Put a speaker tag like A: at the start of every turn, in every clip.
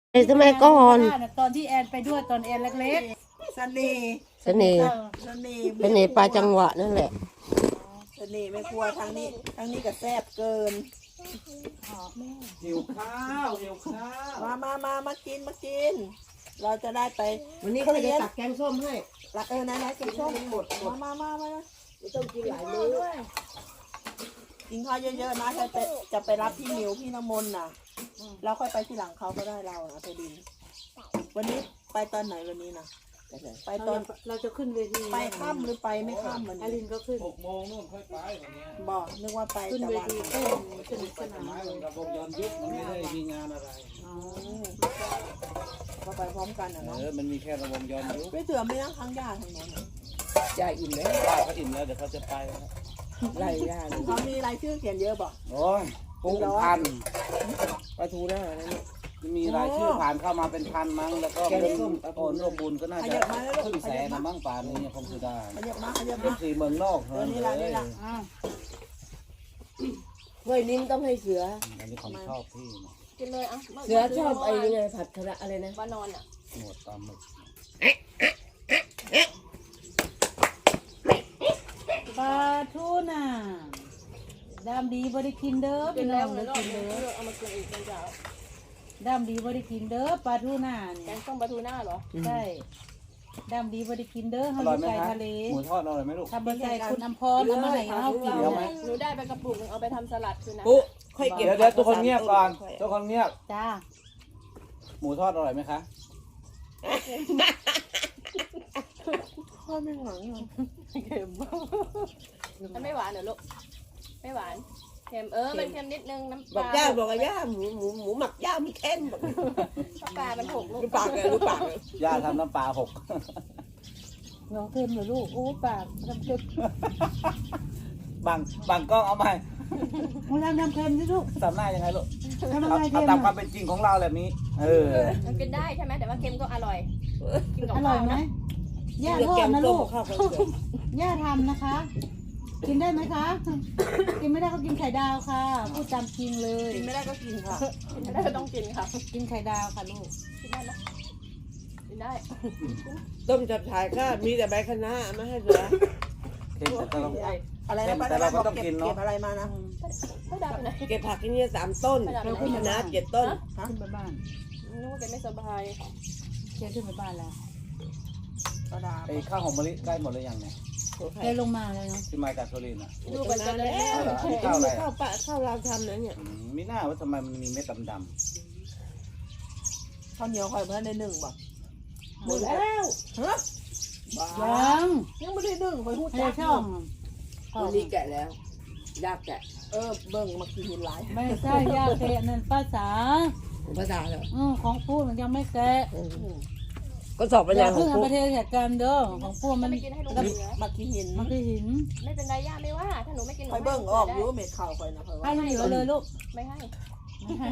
A: ไอ้สมัยก่อน
B: ตอนที่แอนไปด้วยตอนแอนเล็ก
C: เสน่ห์
A: เสน่ห์
C: เสน่ห์
A: เสน่ห์ปลาจังหวะนั่นแหละ
C: เสน่ห์ไม่กลัวทางนี้ก็แซ่บเกิน
D: หิวข้าวหิวข้าว
C: มากิน เราจะได้ไป
A: วันนี้เขาจะตักแกงส้มให้
C: รักนายกินส้มหมดมา
A: ไม่ต้องกินหลายมื้อ
C: กินข้าวเยอะๆนะจะไปรับพี่หมิวพี่น้ำมนต์น่ะเราค่อยไปที่หลังเขาก็ได้เรานะไปดิน วันนี้ไปตอนไหนวันนี้นะไปตอน
B: ๆเราจะขึ้นเวที
C: ไปค่ำหรือไปไม่ค่ำวัน
B: อาริ
C: นี้
B: นก็ขึ้น
D: 6 โมงนู่นค่อยไปวันนี้
C: บอกนึกว่าไป
B: ขึ้น
C: ตะ
B: เว
C: วัน
B: ทีเต้นสนุกสนาน
D: ไม้
B: เล
D: ขอย งระบบย้อนยุคมันไม่ได้มีงานอะไร
B: อ๋อ
C: ก็ไปพร้อมกันนะเนาะ
D: มันมีแค่ระบบย้อนยุค
C: ไม่เถื่อไม่นั่งข้างญาติทางโน้น
A: จะอิ่มแล้ว
D: ป้าเขาอิ่มแล้วเดี๋ยวเขาจะไปแล้ว
A: ไล่ย่าเลย
C: เขามีรายชื่อเขียนเยอะบอก
D: โอ้ยปูพัน
A: ปลาทูหน้านั่น
D: มีรายชื่อผ่านเข้ามาเป็นพันมั้งแล้วก็เป็นโอนรวมบุญก็น่าจะครึ่งแสนนะมั้งป่านนี้คงจะได้
C: ขยับมา
D: เป็นสี่เมืองนอกเลย
B: อ้าว
A: เฮ้ยนิ้มต้องให้เสือ
D: อันนี้ของชอบพี่นะ
E: กินเลยอ่ะ
A: เสือชอบไอ้นี่ไงผัดคณะอะไรนะ
E: บ้านนอนอ่ะ
D: หนวดปลาหมึก
B: ปลาทูน่ะดามดีบริกินเด้อ
E: กิ
B: พี่
E: น
B: น้
E: แล้
B: อ
E: ว
B: ง
E: เล
B: เด้
E: ย
B: อ
E: รอบ
B: กิน
E: นึ
B: เด้
E: ง
B: อ
E: เอามากินอีกเป็นเจ้า
B: ดามดีบริกินเด้อปลาทูน่ะ
E: แก
B: เนี่ย
E: งส้มปลาทูน่าเหรอ
B: ใช่ดามดีบริกินเด้อ
D: อ
B: เฮาอ
D: ร่อย
B: ยู่
D: ไหม
B: ไก่
D: ครับ
B: ทะเล
D: หมูทอดอร่อยไหมลูก
B: ทำบะไก่คุณอำพรเอามาให้เฮากิน
D: เดี๋ยวไหม
E: หนูได้ไปกระปุกนึงเอาไปทำสลัดคือนะ
A: ปุ๊ค่อยเก็บ
D: เดี๋ยวทุกคนเงียบก่อนทุกคนเงียบ
B: จ้า
D: หมูทอดอร่อยไหมคะ
C: ข้อไม่หวัง
B: เค็ม
E: มันไม่หวานเหรอลูกไม่หวานเค็มมันเค็มนิดนึงน้ำป
A: บอก
E: ลา
A: ย่าบอกว่าย่าหมูหมักย่ามีแค้นบอก
E: น้ำปลามันหกลูก
A: ดูปากเลยดูปากเลย
D: ย่าทำน้ำปลาหก
B: น้องเค็มเหรอลูกโอ้ปากทำเค็ม
D: บางกล้องเอาใหม่
B: มึงทำเค็มสิลูก
D: ทำหน้ายังไงลูก
B: ทำอะ
D: เอา
B: ไร
D: เอา
B: เค็ม
D: ตามควา
B: อะ
D: มเป็นจริงของเราแบบนี้ เออ
E: มันกินได้ใช่ไหมแต่ว่าเค็มก็อร่อยกินกับ
B: อร่
E: ข้า
B: อยว ไหม
E: นะ
B: ย่า
A: เดี๋ยว
B: ทอ
A: แก
B: ด
A: ง
B: นะ
A: ต้
B: ลู
A: ม
B: ก
A: ข้าวกับเสือย่
B: าทำนะคะ กินได้ไหมคะ กินไม่ได้ก็กินไข่ดาวค่ะ พูดตามจริงเลย
C: กินไม่ได้ก็กินค่ะ
E: กินไม่ได้ก็ต้องกินค่ะ
B: กินไข่ดาวค่ะลูก
E: กินได้ไหมกินได้
A: ต้มจับฉ่ายก็มีแต่ใบคะน้าไม่ให้เสือ
D: เค็มแต่เรา
C: อะไรนะ
D: แต่เราก็ต้องกินเนอะ
C: เก็บอะไรมานะ
E: ไม่ได้ไปไหน
A: เก็บผักที่นี่3 ต้นคะน้า7 ต้น
B: ขึ้นไปบ้าน
E: นึกว่าแกไม่สบาย
B: เจ๊ขึ้นไปบ้านแล้ว
C: กระดาษ
D: ไอ้ข้าวหอมมะลิใกล้หมดเลยยังเนี่ย
B: เจ๊ลงมาเลยเนาะ
D: ที่มาจากสุรินทร์อ่ะ
E: ดูกันจะได้
A: แล้ว
D: ข้าวอะไร
A: ข้าวเราทำนะเนี่ย
D: มีหน้าว่าทำไมมันมีเม็ดดำ
C: ข้าวเหนียวข่อยเพื่อนได้1บ่
A: หมดแล้ว
C: ฮะ
B: ยัง
C: ยังไม่ได้1ข่อยพูด
B: ให้
C: จัก
B: ช่องช่อง
A: วันนี้แกะแล้วยากแกะ
C: เบิ่งมากินหินหลาย
B: ไม่ใช่ยาเกะนั่นภาษา
A: ภาษาเหรอ
B: ของพูดมันยังไม่แกะ
A: ก็สอบปัญ
B: อ
A: ญา
B: ย่า
A: ขอ
B: เพิ่
A: ง
B: งเอา
A: กู
B: ประเทศเหตุการณ์เด้อของพูดมัน
E: ไม่กินให้ลูก
C: แล้ว
E: เหลือ
C: มากินหิน
B: มันคือหิน
E: ไม่เป็นไรย่าไม่ว่า ถ้าหนูไม่กินหนู
C: ข่อยเบิ่งออกอยู่เม็ดข้าวข่อยนะข่อย
B: ให้
C: ว่า
B: มันเหลือเลยลูก
E: ไม่ให้
B: ไม่ให้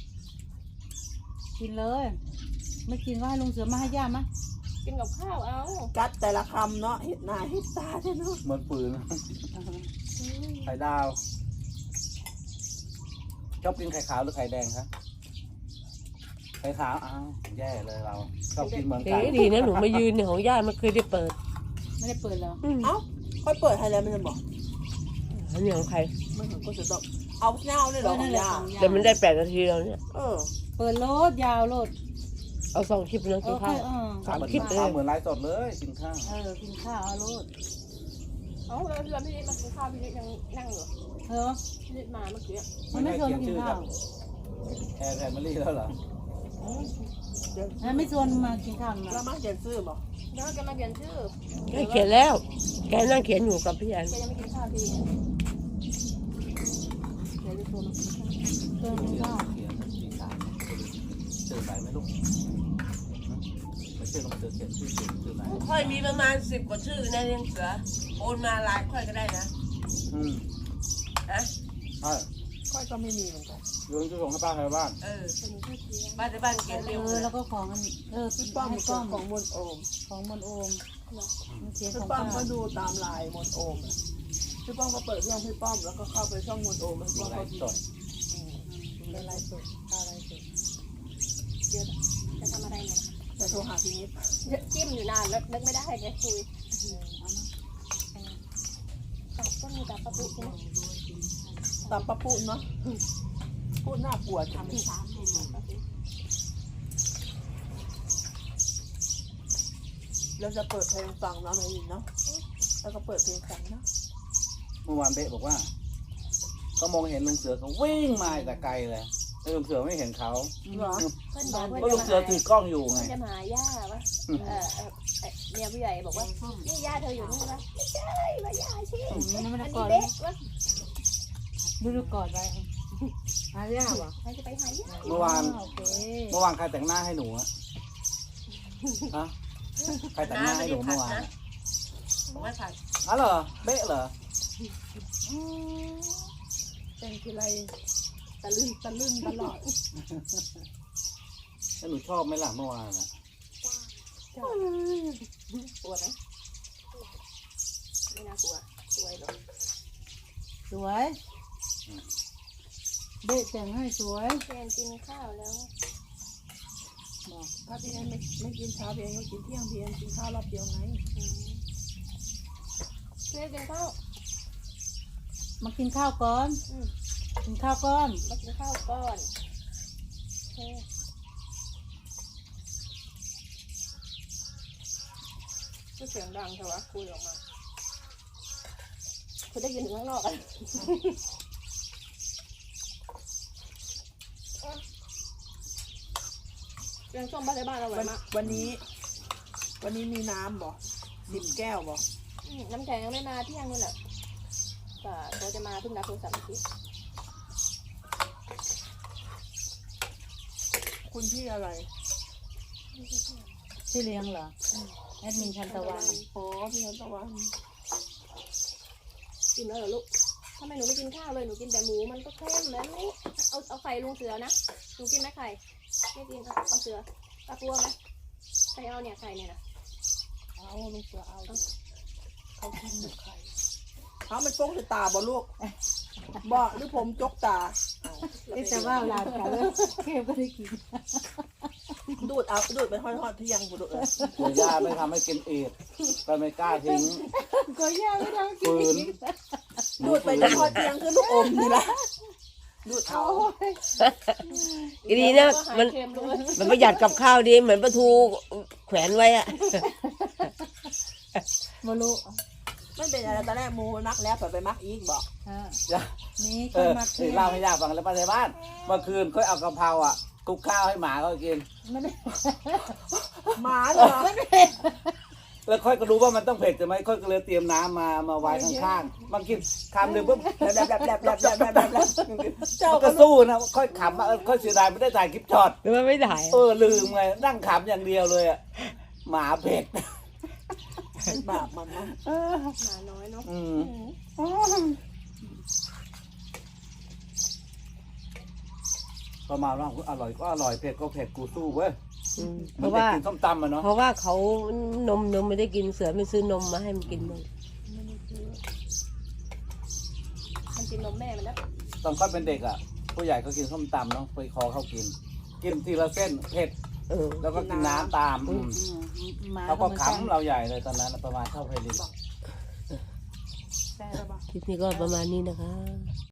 B: กินเลย ไม่กินก็ให้ลุงเสือมาให้ย่ามา
E: กินกับข้าวเอา
C: จัดแต่ละคำเนาะเห็ดหน้าเห็ดตาเนาะ
D: ๆเหมือนปืนไข่ดาว ชอบกินไข่ขาวหรือไข่แดงครับไข่ขาวอ้าวแย่เลยเราชอบกินเหมือนกัน
A: ดีนะหนูมายืนของย่ามันเคยได้เปิด
B: ไม่ได้เปิดแล้ว
C: เอ้าค่อยเปิดให้แล้วมันจะบอก
A: อันนี้ของใคร
C: มันถึงก็จะต้องเอาเงาเลยเหรอ
B: นั่นแหละ
C: ยา
B: ของย่า
A: แต่มันได้8 นาทีแล้วเนี่ย
B: เปิดโลดยาวโลด
A: เอา2 คลิปนะกิน
B: ค่
A: ข้า
B: อ
A: วย
D: เหมือน
A: คลิปเลย
D: ข้าวเหมือนไลฟ์สดเลยกินข้าว
B: กินข้าวเอาโลด
E: เอาแล้วพี่นิดมากินข้าวพี่นิดยังนั่งอยู่
B: เธอ
E: พี่นิดมาเมื่อกี้
B: มันไม่ชวนมากินข้าว
D: แอร์แฟมิลี่แล้วเหรอ
B: มันไม่ชวนมากินข้าว
C: แล้
B: มาว
C: มาเขียนซื้อบอก
E: แล้วแกมาเปลี่ยนชื่อ
A: แกเขียนแล้ว แกนั่งเขียนอยู่กับพี่แอน
E: แกยังไม่กินข้าวพี่
B: เดี๋ยวจะชวนมากินข้าวเติมกินข้าว
D: เขียนสีสามชื่อไหนไหมลูกไม่ชื่อลงเสือเขียนชื่อไหน
A: ค่อยมีประมาณ10 กว่าชื่อนะเลี้ยงเสือโอนมาไลน์ค่อยก็ได้นะ ฮะ
D: ใช่
C: ค่อยก็ไม่มีเหมือนกัน
D: ลุงจะส่งให้ป้าใครบ้าน
A: บ้านในบ้านเขียนเร็วเลย
B: แล้วก็ของ
C: พี่ป้อม
B: ให้
C: มี
B: ป้อม
C: ของมนโอม
B: ของมนโอมมันเสียง
C: พี่
B: ของ
C: ป้อ
B: ป้าม
C: ก็ดูตามไลน์มนโอมอะพี่ป้อมก็เปิดช่องพี่ป้อมแล้วก็เข้าไปช่องมนโอมพี่ป้อม
D: ไล
C: ก็
D: ฟ์สด
B: เป็นไรสุดอะไรสุด
C: โทรหาพี่นิด
E: จิ้มอยู่นานแล้วนึกไม่ได้ไงคุยตับก็มีตับปลาปุใช่ไหม
C: ตามป้าพูดเนาะพูดน่ากลัวจังเราจะเปิดเพลงฟังเนาะไม่ยินเนาะแล้วก็เปิดเพลงฟังเนาะ
D: เมื่อวานเบ๊บอกว่าเขามองเห็นลุงเสือเขาวิ่งมาแต่ไกลเลยแต่ลุงเสือไม่เห็นเขา
C: เหรอ
E: เพื่อนบอก
D: เพราะลุ
E: เพื่อน
D: งเสือถือกล้องอยู่ไง
E: จะมาหาย่าวะเนี่ยผู้ใหญ่บอกว่านี่ย่าเธออยู่นี่วะไม่ใช่ว่าย่าชิ
B: นี่มัน
E: อัน
B: ก่
E: นี้
B: อน
E: เบ๊ะวะ
B: ดูก่อนไว้อาเรียกวะ
E: ใครจะไปหาย่า
D: เมื่อวาน
B: โอเค
D: เมื่อวานใครแต่งหน้าให้หนูอะฮะใครแต่งหน้าให้หนูเมื่อวาน
A: บอกว่าผัด
D: อ๋อเหรอเบ๊ะเหรอ
C: แต่งทีไรตะลึงตลอด
D: แล้วหนูชอบไหมล่ะเมื่อวานอะ
E: กลัวไหมไม่น่ากลัวสวยหรอก
B: สวยเด็กแต่งให้สวย
E: แฟนกินข้าวแล้ว
C: ถ้าพี่แอนไม่กินเช้าพี่แอนก็กินเที่ยงพี่แอนกินข้าวรอบเดียวไง
E: เพื่อนกินข้าว
B: มากินข้าวก่อนกินข้าวก่อน
E: มากินข้าวก่อนก็เสียงดังเถอะวะคุยออกมาคุณได้ยินถึงข้างนอกอ่ะเรื่องส้มบ้านในบ้านเราอร่อยมาก
C: วันนี้มีน้ำบ่10 แก้วบ่
E: น้ำแข็งยังไม่มาเที่ยงนู่นแหละแต่เขาจะมาเพิ่งรับโทรศัพท์เมื่อกี้
C: คุณพี่อะไร
B: ชื่อเลี้ยงเหรอแอดมินชันตะวัน
C: อ๋อพี่นันตะวัน
E: กินแล้วเหรอลูกทำไมหนูไม่กินข้าวเลยหนูกินแต่หมูมันก็เค็มแบบนี้เอาไข่ลุงเสือนะหนูกินไหมไข่ไม่กินเอาเสือตากลัวไหมใครเอาเนี่ยไข่เนี่ยนะ
C: เอาลูกเสือเอาเขากินหมดไข่เอามันโป้งใส่ตาบ่ลูกบ่หรือผมจกตา
B: แต่ว่าลานกันเลยเค็มก็ได้กิน
C: ดูดไปทอดๆที่ยังกูดูดเลย
D: เดี๋ยวย่าไม่ทำให้กินเอดก็ไม่กล้าทิ้ง
B: ก็ย่าไม่ทำกิน
D: ฝืน
C: ดูดไปทอดที่ยังคือลูกอมนี่ละดูดเอา
A: อีนี้นะ
E: หา
A: มัน
E: เค็มด้วย
A: มันประหยัดกับข้าวดีเหมือนปลาทูแขวนไว้อะ
B: มาลุ
C: มันเป็นอะไรตอนแรกมูมักแล้วไปมักอีกบอก
D: ย่า
B: นี่
D: เอ
B: ก็
D: อ
B: มา
D: เล่าให้ย่าฟังแล้วป้าในบ้านเมื่อคืนค่อยเอากะเพราอ่ะคลุกข้าวให้หมาเขากิน
B: ไม่ได้
C: หมาเหรอ
D: แล้วค่อยก็รู้ว่ามันต้องเผ็ดใช่ไหมค่อยก็เลยเตรียมน้ำมาไว้ข้างๆมันกินคำหนึ่งปุ๊บแบบเจ้าก็สู้นะค่อยขำค่อยเสียดายไม่ได้ถ่ายคลิปช็อต
A: หรือว่าไม่ได้
D: ลืมไงนั่งขำอย่างเดียวเลยอ่ะหมาเผ็ด
C: เป็นบาปมันนะ
E: หมาน้อยเนาะ
D: ประมาณว่าอร่อยก็อร่อยเผ็ดก็เผ็ดกูสู้เว้ย
A: เพ
D: มัน
A: ราะ
D: จะ
A: ว่า
D: กินส้มตำอ่ะเนาะ
A: เพราะว่าเขานมไม่ได้กินเสือไม่ซื้อนมมาให้มันกินมั้ง
E: มันกินนมแม่มันแล้ว
D: ตอนค่อยเป็นเด็กอ่ะผู้ใหญ่ก็กินส้มตำเนาะไปคอเขากินทีละเส้นเผ็ด
A: เออ
D: แล้วก็กินน้ำตาม
B: หมา
D: เขาก็ขำเราใหญ่เลยตอนนั้นประมาณเท่าเพลิน
C: ใช่หรือเปล่า
A: คลิปนี้ก็ประมาณนี้นะคะ